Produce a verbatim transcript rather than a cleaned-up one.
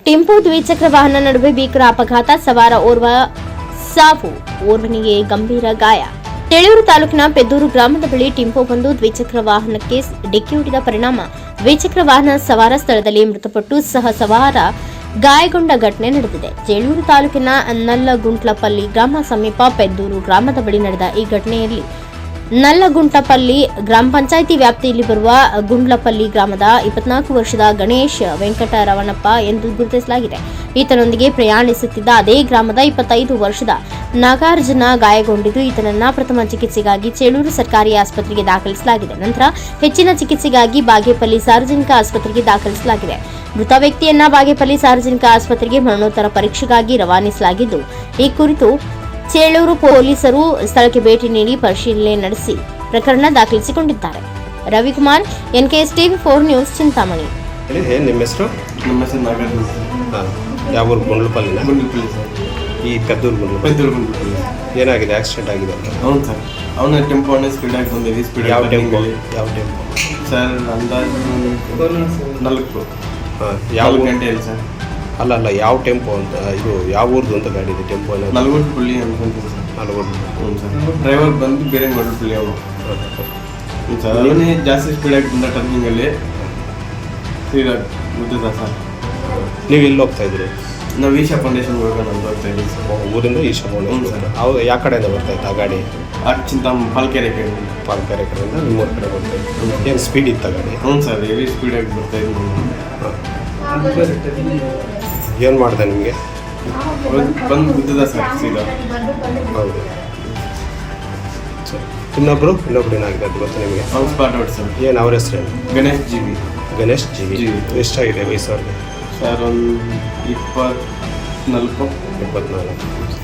Tempo ದ್ವಿಚಕ್ರ ವಾಹನ ನಡುವೆ ಭೀಕರ ಅಪಘಾತ, ಸವಾರ ಓರ್ವ ಸಾವು, ಓರ್ವನಿಗೆ ಗಂಭೀರ ಗಾಯ. ತೆಳೂರು ತಾಲೂಕಿನ ಪೆದ್ದೂರು ಗ್ರಾಮದ ಬಳಿ ಟೆಂಪೋ ಒಂದು ದ್ವಿಚಕ್ರ ವಾಹನಕ್ಕೆ ಡಿಕ್ಕಿ ಹೊಡೆದ ಪರಿಣಾಮ ದ್ವಿಚಕ್ರ ವಾಹನ ಸವಾರ ಸ್ಥಳದಲ್ಲಿ ಮೃತಪಟ್ಟು ಸಹ ಸವಾರ ಗಾಯಗೊಂಡ ಘಟನೆ ನಡೆದಿದೆ. ಚೇಳೂರು ತಾಲೂಕಿನ ನಲ್ಲಗುಂಟ್ಲಪಲ್ಲಿ ಗ್ರಾಮ ಸಮೀಪ ಪೆದ್ದೂರು ಗ್ರಾಮದ ಬಳಿ ನಡೆದ ಈ ಘಟನೆಯಲ್ಲಿ ನಲ್ಲಗುಂಟಪಲ್ಲಿ ಗ್ರಾಮ ಪಂಚಾಯಿತಿ ವ್ಯಾಪ್ತಿಯಲ್ಲಿ ಬರುವ ಗುಂಡ್ಲಪಲ್ಲಿ ಗ್ರಾಮದ ಇಪ್ಪತ್ನಾಲ್ಕು ವರ್ಷದ ಗಣೇಶ್ ವೆಂಕಟರಮಣಪ್ಪ ಎಂದು ಗುರುತಿಸಲಾಗಿದೆ. ಈತನೊಂದಿಗೆ ಪ್ರಯಾಣಿಸುತ್ತಿದ್ದ ಅದೇ ಗ್ರಾಮದ ಇಪ್ಪತ್ತೈದು ವರ್ಷದ ನಾಗಾರ್ಜುನ ಗಾಯಗೊಂಡಿದ್ದು ಈತನನ್ನ ಪ್ರಥಮ ಚಿಕಿತ್ಸೆಗಾಗಿ ಚೇಳೂರು ಸರ್ಕಾರಿ ಆಸ್ಪತ್ರೆಗೆ ದಾಖಲಿಸಲಾಗಿದೆ. ನಂತರ ಹೆಚ್ಚಿನ ಚಿಕಿತ್ಸೆಗಾಗಿ ಬಾಗೇಪಲ್ಲಿ ಸಾರ್ವಜನಿಕ ಆಸ್ಪತ್ರೆಗೆ ದಾಖಲಿಸಲಾಗಿದೆ. ಮೃತ ವ್ಯಕ್ತಿಯನ್ನ ಬಾಗೇಪಲ್ಲಿ ಸಾರ್ವಜನಿಕ ಆಸ್ಪತ್ರೆಗೆ ಮರಣೋತ್ತರ ಪರೀಕ್ಷೆಗಾಗಿ ರವಾನಿಸಲಾಗಿದ್ದು ಈ ಕುರಿತು ಚೇಳೂರು ಪೊಲೀಸರು ಸ್ಥಳಕ್ಕೆ ಭೇಟಿ ನೀಡಿ ಪರಿಶೀಲನೆ ನಡೆಸಿ ಪ್ರಕರಣ ದಾಖಲಿಸಿಕೊಂಡಿದ್ದಾರೆ. Ravikumar, NKS TV four news, Chintamani. ನಿಮ್ಮ ಹೆಸರು? ನಮ್ಮ ಹೆಸರು ನಾಗಾರ್ಜುನ. ಹಾಂ, ಯಾವ ಊರು? ಗುಂಡ್ಲಪಲ್ಲಿನ? ಗುಂಡ್ಲಪಲ್ಲಿ ಸರ್. ಈ ಪೆದ್ದೂರು ಗುಂಡ್ಲಪಲ್ಲಿ. ಪೆದ್ದೂರು ಗುಂಡ್ಲಪಲ್ಲಿ. ಏನಾಗಿದೆ? ಆಕ್ಸಿಡೆಂಟ್ ಆಗಿದೆ ಅಂತ? ಹೌದು ಸರ್. ಅವನ ಟೆಂಪೋ ಅವನೇ ಸ್ಪೀಡಾಗಿ ಬಂದಿವಿ. ಸ್ಪೀಡ್ ಯಾವ ಟೆಂಪೋ? ಯಾವ ಟೆಂಪೋ ಸರ್? ಅಂದಾಜು ನಾಲ್ಕು ಹಾಂ. ಯಾವ ಗಂಟೆ ಇಲ್ಲ ಸರ್? ಅಲ್ಲ ಅಲ್ಲ ಯಾವ ಟೆಂಪೋ ಅಂತ? ಇದು ಯಾವ ಊರ್ದು ಅಂತ ಗಾಡಿ ಇದೆ? ಟೆಂಪೋ ಅನ್ನೋದು ನಲ್ವಟ್ಪಳ್ಳಿ ಅನ್ಕೊಂತೀವಿ ಸರ್. ನಲ್ವಟ್ಟು. ಹ್ಞೂ ಸರ್. ಡ್ರೈವರ್ ಬಂದು ಬೇರೆ ನಲ್ವಟ್ಪಳ್ಳಿ ಅವನು. ಹ್ಞೂ ಸರ್. ಅವನೇ ಜಾಸ್ತಿ ಸ್ಪೀಡಾಗಿ ಬಂದ ಟರ್ನಿಂಗಲ್ಲಿ ಸೀದಾ ಗೊತ್ತಿಲ್ಲ ಸರ್. ನೀವು ಎಲ್ಲಿ ಹೋಗ್ತಾ ಇದ್ರಿ? ನಾವು ಈಶಾ ಫೌಂಡೇಶನ್ ಹೋಗೋಣ ಅಂತ ಹೋಗ್ತಾ ಇದ್ದೀವಿ ಸರ್. ಊರಿಂದ ಈಶಾ ಫೌಂಡೇಶನ್. ಸರ್. ಅವ್ರು ಯಾವ ಕಡೆಯಿಂದ ಬರ್ತಾ ಇತ್ತು ಆ ಗಾಡಿ? ಆ ಚಿಂತಾಮ್ ಪಾಲ್ಕೆರೆ ಕಡೆ. ಪಾಲ್ಕೆರೆ ಕಡೆಯಿಂದ ನಿಮ್ಮೂರ ಕಡೆ ಬರ್ತಾ ಇತ್ತು. ಏನು ಸ್ಪೀಡ್ ಇತ್ತ ಗಾಡಿ? ಹ್ಞೂ ಸರ್. ಹೆವಿ ಸ್ಪೀಡಾಗಿ ಬರ್ತಾ ಇದ್ವಿ. ಏನು ಮಾಡಿದೆ ನಿಮಗೆ? ಬಂದು ಬಿದ್ದದ ಸರ್ ಸೀದಾ. ಹೌದು ಸರ್. ಇನ್ನೊಬ್ರು ಇನ್ನೊಬ್ರು ಏನಾಗಿದೆ ಅದು ಗೊತ್ತಾ ನಿಮಗೆ? ಅವ್ನು ಸ್ಪಾಟ್ ಔಟ್ ಸರ್. ಏನು ಅವ್ರ ಹೆಸರೇನು? Ganesh G V. Ganesh G V. G V. ಎಷ್ಟಾಗಿದೆ ವಯಸ್ಸು ಅವ್ರಿಗೆ? ಸರ್ ಒಂದು ಇಪ್ಪತ್ನಾಲ್ಕು ಇಪ್ಪತ್ನಾಲ್ಕು.